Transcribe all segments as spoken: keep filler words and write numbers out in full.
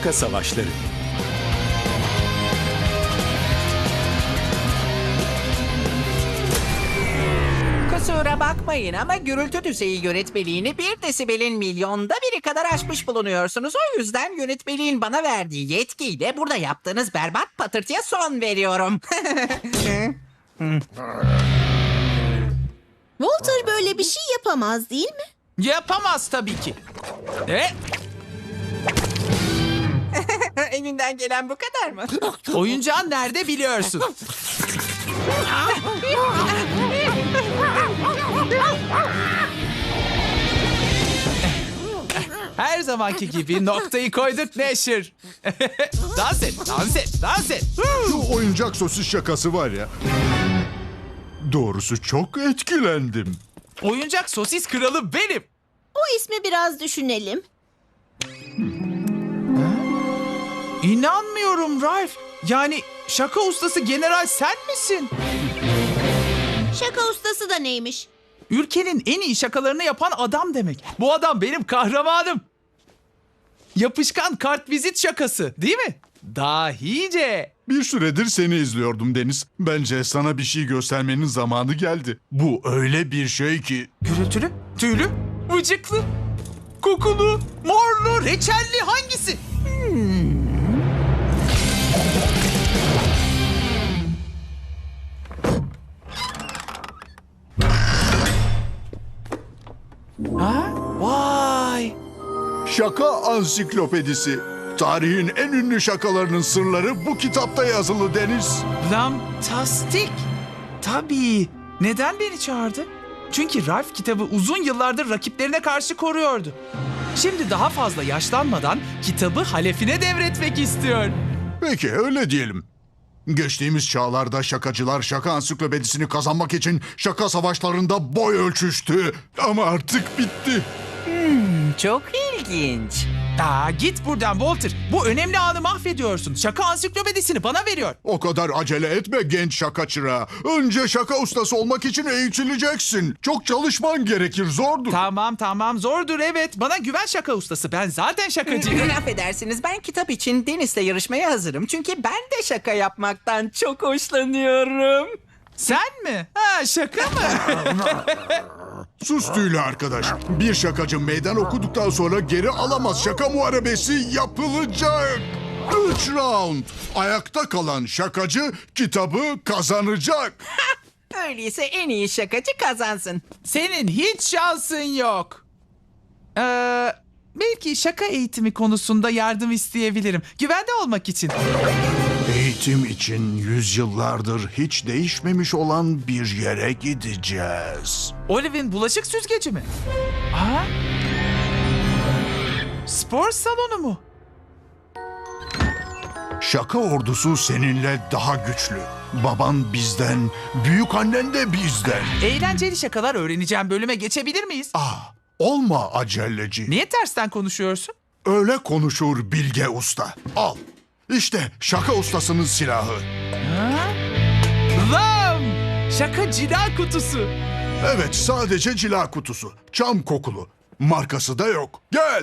Şaka Savaşları. Kusura bakmayın ama gürültü düzeyi yönetmeliğini bir desibelin milyonda biri kadar aşmış bulunuyorsunuz. O yüzden yönetmeliğin bana verdiği yetkiyle burada yaptığınız berbat patırtıya son veriyorum. Walter böyle bir şey yapamaz değil mi? Yapamaz tabii ki. E, Elinden gelen bu kadar mı? oyuncağın nerede biliyorsun. Her zamanki gibi noktayı koyduk Neşir. Dans et, dans et, dans et. Şu oyuncak sosis şakası var ya. Doğrusu çok etkilendim. Oyuncak sosis kralı benim. O ismi biraz düşünelim. İnanmıyorum Ralph. Yani şaka ustası general sen misin? Şaka ustası da neymiş? Ülkenin en iyi şakalarını yapan adam demek. Bu adam benim kahramanım. Yapışkan kartvizit şakası değil mi? Dahice. Bir süredir seni izliyordum Deniz. Bence sana bir şey göstermenin zamanı geldi. Bu öyle bir şey ki... Gürültülü, tüylü, vıcıklı, kokulu, morlu, reçelli hangisi? Ha? Vay! Şaka Ansiklopedisi. Tarihin en ünlü şakalarının sırları bu kitapta yazılı Deniz. Fantastik. Tabii. Neden beni çağırdı? Çünkü Ralph kitabı uzun yıllardır rakiplerine karşı koruyordu. Şimdi daha fazla yaşlanmadan kitabı halefine devretmek istiyor. Peki öyle diyelim. Geçtiğimiz çağlarda şakacılar şaka ansiklopedisini kazanmak için şaka savaşlarında boy ölçüştü. Ama artık bitti. Çok ilginç. Aa, git buradan Walter. Bu önemli anı mahvediyorsun. Şaka ansiklopedisini bana veriyor. O kadar acele etme genç şaka çırağı. Önce şaka ustası olmak için eğitileceksin. Çok çalışman gerekir, zordur. Tamam tamam zordur evet. Bana güven şaka ustası. Ben zaten şakacıyım. Affedersiniz, ben kitap için Deniz'le yarışmaya hazırım. Çünkü ben de şaka yapmaktan çok hoşlanıyorum. Sen mi? Ha şaka mı? Sus tüylü arkadaş. Bir şakacı meydan okuduktan sonra geri alamaz. Şaka muharebesi yapılacak. Üç round. Ayakta kalan şakacı kitabı kazanacak. Öyleyse en iyi şakacı kazansın. Senin hiç şansın yok. Ee, belki şaka eğitimi konusunda yardım isteyebilirim. Güvende olmak için. Eğitim için yüzyıllardır hiç değişmemiş olan bir yere gideceğiz. Olive'in bulaşık süzgeci mi? Aa? Spor salonu mu? Şaka ordusu seninle daha güçlü. Baban bizden, büyük annen de bizden. Eğlenceli şakalar öğreneceğim bölüme geçebilir miyiz? Ah, olma aceleci. Niye tersten konuşuyorsun? Öyle konuşur Bilge Usta. Al. İşte şaka ustasının silahı. Lam! Şaka cila kutusu. Evet, sadece cila kutusu. Çam kokulu. Markası da yok. Gel.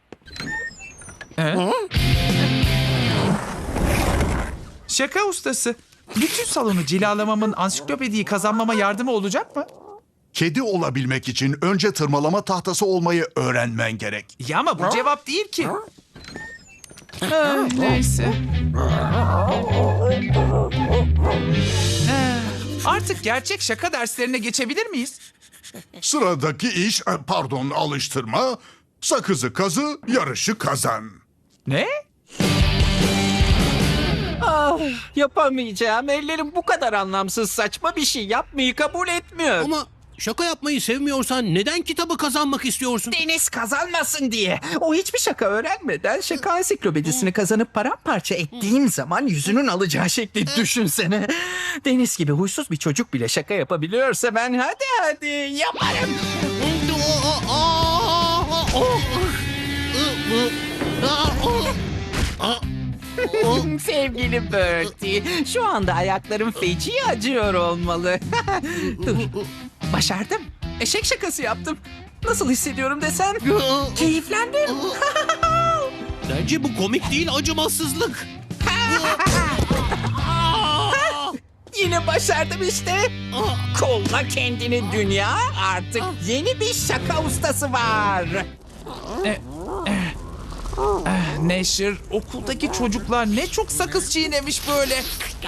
Şaka ustası. Bütün salonu cilalamamın ansiklopediyi kazanmama yardımı olacak mı? Kedi olabilmek için önce tırmalama tahtası olmayı öğrenmen gerek. Ya ama bu cevap değil ki. Ah, neyse. Ah, artık gerçek şaka derslerine geçebilir miyiz? Sıradaki iş, e, pardon alıştırma, sakızı kazı, yarışı kazan. Ne? Ah, yapamayacağım. Ellerim bu kadar anlamsız, saçma bir şey yapmayı kabul etmiyor. Ama şaka yapmayı sevmiyorsan neden kitabı kazanmak istiyorsun? Deniz kazanmasın diye. O hiçbir şaka öğrenmeden şaka ansiklopedisini kazanıp paramparça ettiğim zaman yüzünün alacağı şekli düşünsene. Deniz gibi huysuz bir çocuk bile şaka yapabiliyorsa ben hadi hadi yaparım. Sevgili Bertie, şu anda ayaklarım feci acıyor olmalı. Dur, başardım. Eşek şakası yaptım. Nasıl hissediyorum desen? Keyiflendim. Bence bu komik değil, acımasızlık. Yine başardım işte. Kolla kendini dünya, artık yeni bir şaka ustası var. Neşir, okuldaki çocuklar ne çok sakız çiğnemiş böyle.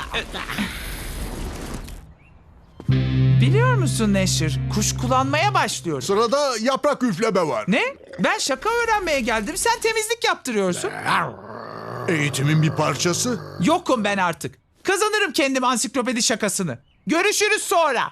Biliyor musun Neşir, kuşkulanmaya başlıyor. Sırada yaprak üfleme var. Ne? Ben şaka öğrenmeye geldim, sen temizlik yaptırıyorsun. Eğitimin bir parçası. Yokum ben artık. Kazanırım kendim ansiklopedi şakasını. Görüşürüz sonra.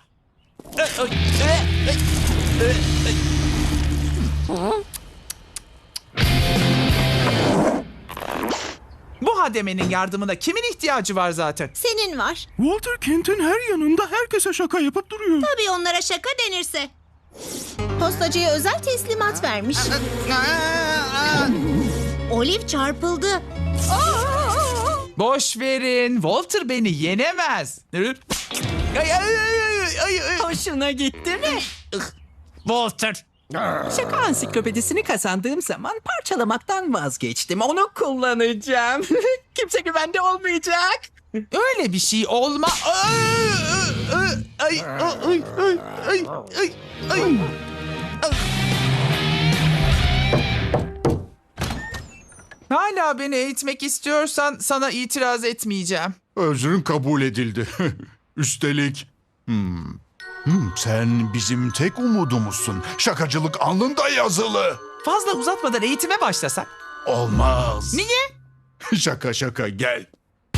Bu hademenin yardımına kimin ihtiyacı var zaten? Senin var. Walter Kent'in her yanında herkese şaka yapıp duruyor. Tabii onlara şaka denirse. Postacıya özel teslimat vermiş. Olive çarpıldı. Boş verin. Walter beni yenemez. Ay, ay, ay, ay, ay, ay. Hoşuna gitti mi? Walter. Şaka ansiklopedisini kazandığım zaman parçalamaktan vazgeçtim. Onu kullanacağım. Kimse güvende olmayacak. Öyle bir şey olma. Ay, ay, ay, ay, ay, ay, ay. Hala beni eğitmek istiyorsan sana itiraz etmeyeceğim. Özrün kabul edildi. Üstelik... Hmm. Hmm, sen bizim tek umudumuzsun. Şakacılık alnında yazılı. Fazla uzatmadan eğitime başlasak. Olmaz. Niye? Şaka şaka gel.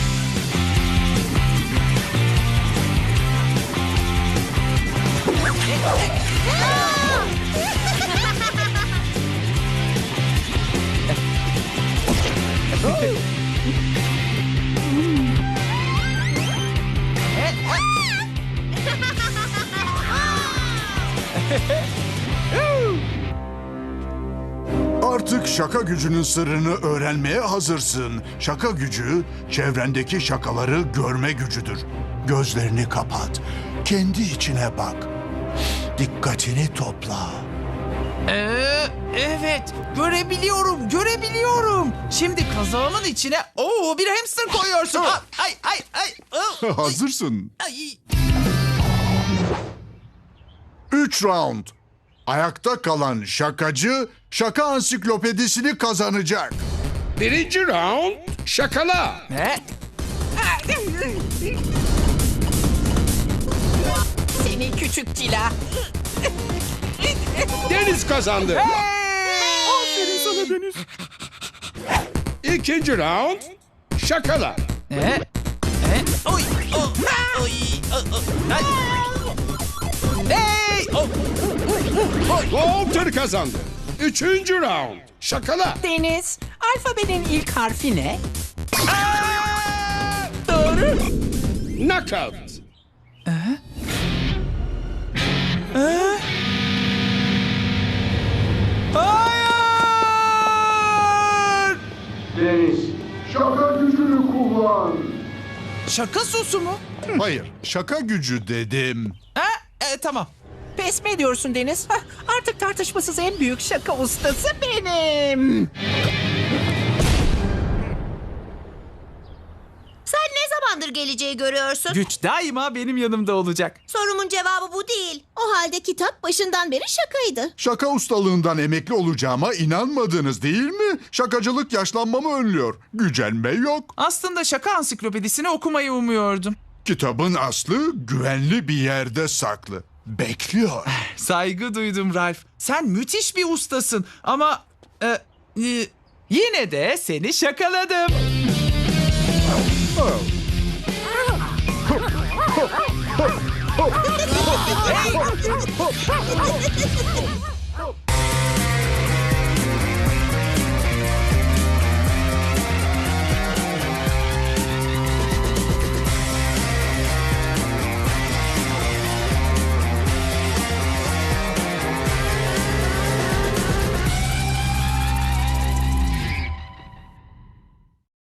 Artık şaka gücünün sırrını öğrenmeye hazırsın. Şaka gücü, çevrendeki şakaları görme gücüdür. Gözlerini kapat. Kendi içine bak. Dikkatini topla. Ee, evet, görebiliyorum, görebiliyorum. Şimdi kazağımın içine oo bir hamster koyuyorsun. Ah, Ay, ay, ay. oh, Hazırsın. ay. Üç round. Ayakta kalan şakacı şaka ansiklopedisini kazanacak. Birinci round şakala. Ne? Seni küçük cila. Deniz kazandı. Aferin sana Deniz. İkinci round şakala. Ne? Ne? Oy, oh, oy, oh, oh, ay. Hey! Oh. Walter kazandı. Üçüncü round şakala. Deniz, alfabenin ilk harfi ne? Aa! Doğru. Knockout. Hayır! Deniz, şaka gücünü kullan. Şaka sosu mu? Hayır, şaka gücü dedim. Ha? E, tamam. Pes mi ediyorsun Deniz? Hah, artık tartışmasız en büyük şaka ustası benim. Sen ne zamandır geleceği görüyorsun? Güç daima benim yanımda olacak. Sorumun cevabı bu değil. O halde kitap başından beri şakaydı. Şaka ustalığından emekli olacağıma inanmadınız değil mi? Şakacılık yaşlanmamı önlüyor. Gücenme yok. Aslında şaka ansiklopedisini okumayı umuyordum. Kitabın aslı güvenli bir yerde saklı. Bekliyor. Saygı duydum Ralph. Sen müthiş bir ustasın ama e, e, yine de seni şakaladım. Oh.